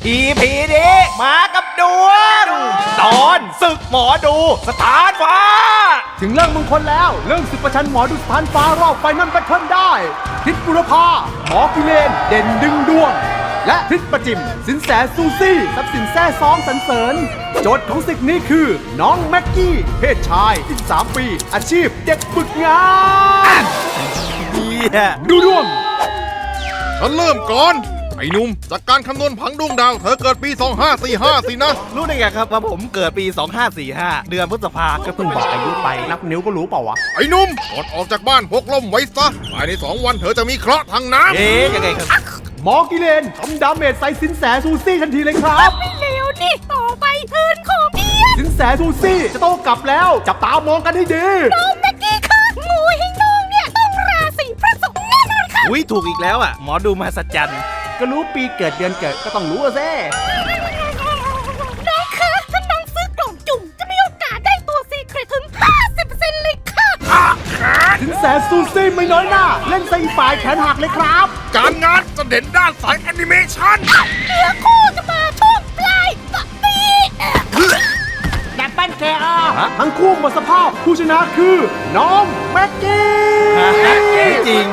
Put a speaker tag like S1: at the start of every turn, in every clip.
S1: EP นี้มากับดวงตอนศึกหมอดูสถานฟ้า
S2: ถึงเรื่องมงคลแล้วเรื่องศึกประชันหมอดูสถานฟ้ารอบไฟนั่นแบทเทิลได้ทิศบุรพาหมอกิเลนเด่นดึงดวงและทิศประจิมสินแสซูซี่ทรัพย์สินแท้ซ้องสรรเสริญโจทย์ของศึกนี้คือน้องแม็กกี้เพศชาย13 ปีอาชีพเด็กฝึกงานดูดวง
S3: ฉันเริ่มก่อนไอ้หนุ่มจากการคำนวณผังดวงดาวเธอเกิดปี2545สินะ
S1: รู้ได้ไงครับว่าผมเกิดปี2545เดือนพฤษภาก็เพิ่งบอกอายุไป
S2: นับนิ้วก็รู้เปล่าวะ
S3: ไอ้หนุ่มก่อนออกจากบ้านพกล่มไว้ซะภายใน2 วันเธอจะมีเคราะห์ทางน้ำ
S1: ยังไงครับ
S2: หมอกิเลนทำดาเมจใส่สินแสซูซี่ทันทีเลยครับ
S4: ไม่เลวดิต่อไปเทิร์นของเมีย
S2: สินแสซูซี่จะโต้กลับแล้วจับตามองกันให้ดี
S4: น้องแม็กกี้ค่ะงูให้น้องเนี่ยต้องราศีพระศุกร์แน่นอนค่ะ
S1: อุ้ยถูกอีกแล้วอ่ะหมอดูมหัศจรรย์
S2: ก็รู้ปีเกิดเดือนเกิดก็ต้องรู้อะเซ่
S4: น้องคะถ้าน้องซื้อกล่องจุ่มจะมีโอกาสได้ตัวซีเครตถึง 50% เลยค่ะ
S2: สินแสซูซี่ไม่น้อยหน้าเล่นใส่ฝ่ายแขนหักเลยครับ
S3: การงานจะเด่นด้านสายแอนิเมชัน
S4: เนื้อคู่จะมาช่วงปลายปี
S2: แต่ปั้นแกทั้งคู่หมดสภาพผู้ชนะคือน้องแม็กกี้
S1: จริง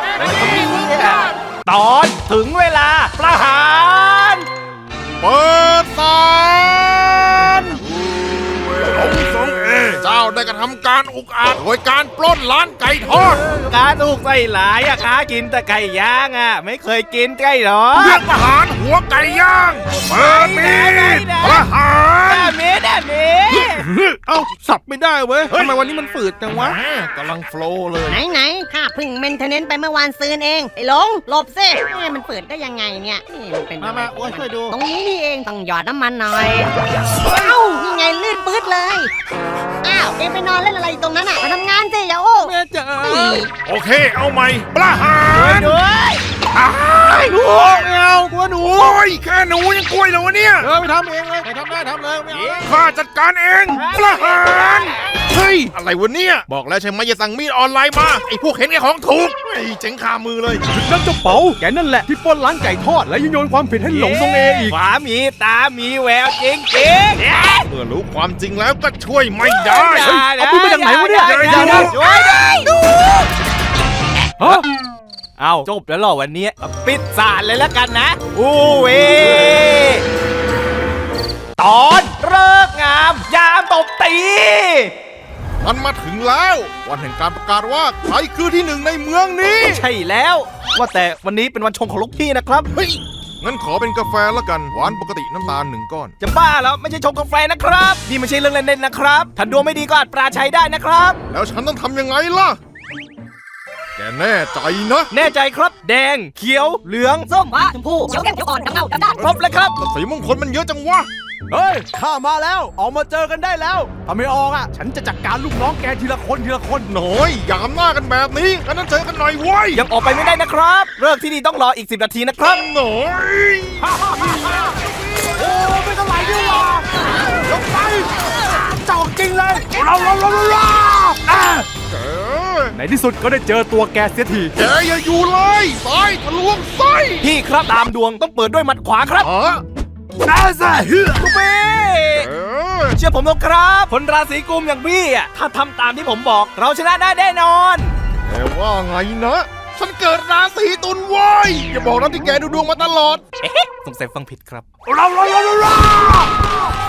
S1: ตอนถึงเวลาประหาร
S3: เปิดศาลสงเจ้าได้กระทำการอุกอาจโดยการปล้นร้านไก่ทอด
S1: การอุกใส่หลายอะค้ากินแต่ไก่ย่างอะไม่เคยกินไก่หรอ
S3: เรียกประหารหัวไก่ย่างเปิดมีดประหาร
S1: เอ้าสับไม่ได้เว้ยทำไมวันนี้มันฝืดจังวะ
S3: กำลังโฟล์เลย
S4: ไหนข้าเพิ่งเมนเทนเนนต์ไปเมื่อวานซืนเองไอ้หลงหลบซิมันฝืดได้ยังไงเนี่ยนี่มันเป็น
S1: มาโอ้ยช่วยดู
S4: ตรงนี้นี่เองต้องหยอดน้ำมันหน่อยเอ้านี่ไงลื่นปื๊ดเลยอ้าวเอ็งไปนอนเล่นอะไรตรงนั้นอ่ะมาทำงานสิอย่าโอ้
S1: แม่จ๋า
S3: โอเคเอาใหม่ประหาร
S1: ด้วยหนูไม่เอากลัวหนู
S3: โอ้ยแค่หนูยังกล้วยเลยวะเนี่ย
S1: ไปทำเองเลยไปทำได้ทำเลยไม่เอา
S3: ข้าจัดการเองประหารเฮ้ยอะไรวะเนี่ยบอกแล้วใช่ไหมอย่าสั่งมีดออนไลน์มาไอ้พวกเห็นแก่ของถูกไอ้เจ๋งคามือเลย
S2: นั่นเจ้าเป๋าแกนั่นแหละที่ปล้นร้านไก่ทอดและโยนความผิดให้หลงทรงเออีก
S1: ขวามีตามีแววจริง
S3: เมื่อรู้ความจริงแล้วก็ช่วยไม่ได้
S2: เอาปืนมาจากไหนวะเนี่ย
S1: ช่วยด้วยเอาจบแล้วหรอวันนี้ปิดศาลเลยแล้วกันนะเวตอนเลิกงามยามตบตี
S3: มันมาถึงแล้ววันแห่งการประกาศว่าใครคือที่หนึ่งในเมืองนี้
S1: ใช่แล้วว่าแต่วันนี้เป็นวันชงของลูกพี่นะครับ
S3: เฮ้ยงั้นขอเป็นกาแฟละกันหวานปกติน้ำตาล1 ก้อน
S1: จะบ้าแล้วไม่ใช่ชงกาแฟนะครับนี่ไม่ใช่เรื่องเล่นๆนะครับถ้าดวงไม่ดีก็อาจปราชัยได้นะครับ
S3: แล้วฉันต้องทำยังไงล่ะแกแน่ใจนะ
S1: แน่ใจครับแดงเขียวเหลือง
S4: ส้มฟ้าชมพูเขียวเข้มเขียวอ่อนดำเงาดำด้าน
S1: ครบเลยครับ
S3: สีมงคลมันเยอะจังวะ
S2: เฮ้ยข้ามาแล้วออกมาเจอกันได้แล้วถ้าไม่ออกอ่ะฉันจะจัดการลูกน้องแกทีละคน
S3: หน่อยอย่าหน้ากันแบบนี้งั้นเจอกันหน่อยเว้ย
S1: ยังออกไปไม่ได้นะครับเลิกที่นี่ต้องรออีก10 นาทีนะครับ
S3: หน่อย
S2: โอ้ไม่ต้องไหลด้วยหรอกลงไปเจ้าจริงเลยในที่สุดก็ได้เจอตัวแกเสียที
S3: แกอย่าอยู่เลยซ้ายทะลวงไส้
S1: พี่ครับตามดวงต้องเปิดด้วยหมัดขวาครับ
S2: น่าจะ
S1: กูเป้เชื่อผมนะครับคนราศีกุมอย่างพี่อ่ะถ้าทำตามที่ผมบอกเราชนะได้แน่นอน
S3: แต่ว่าไงนะฉันเกิดราศีตุลเว้ยอย่าบอกนะที่แกดูดวงมาตลอด
S1: สงสัยฟังผิดครับ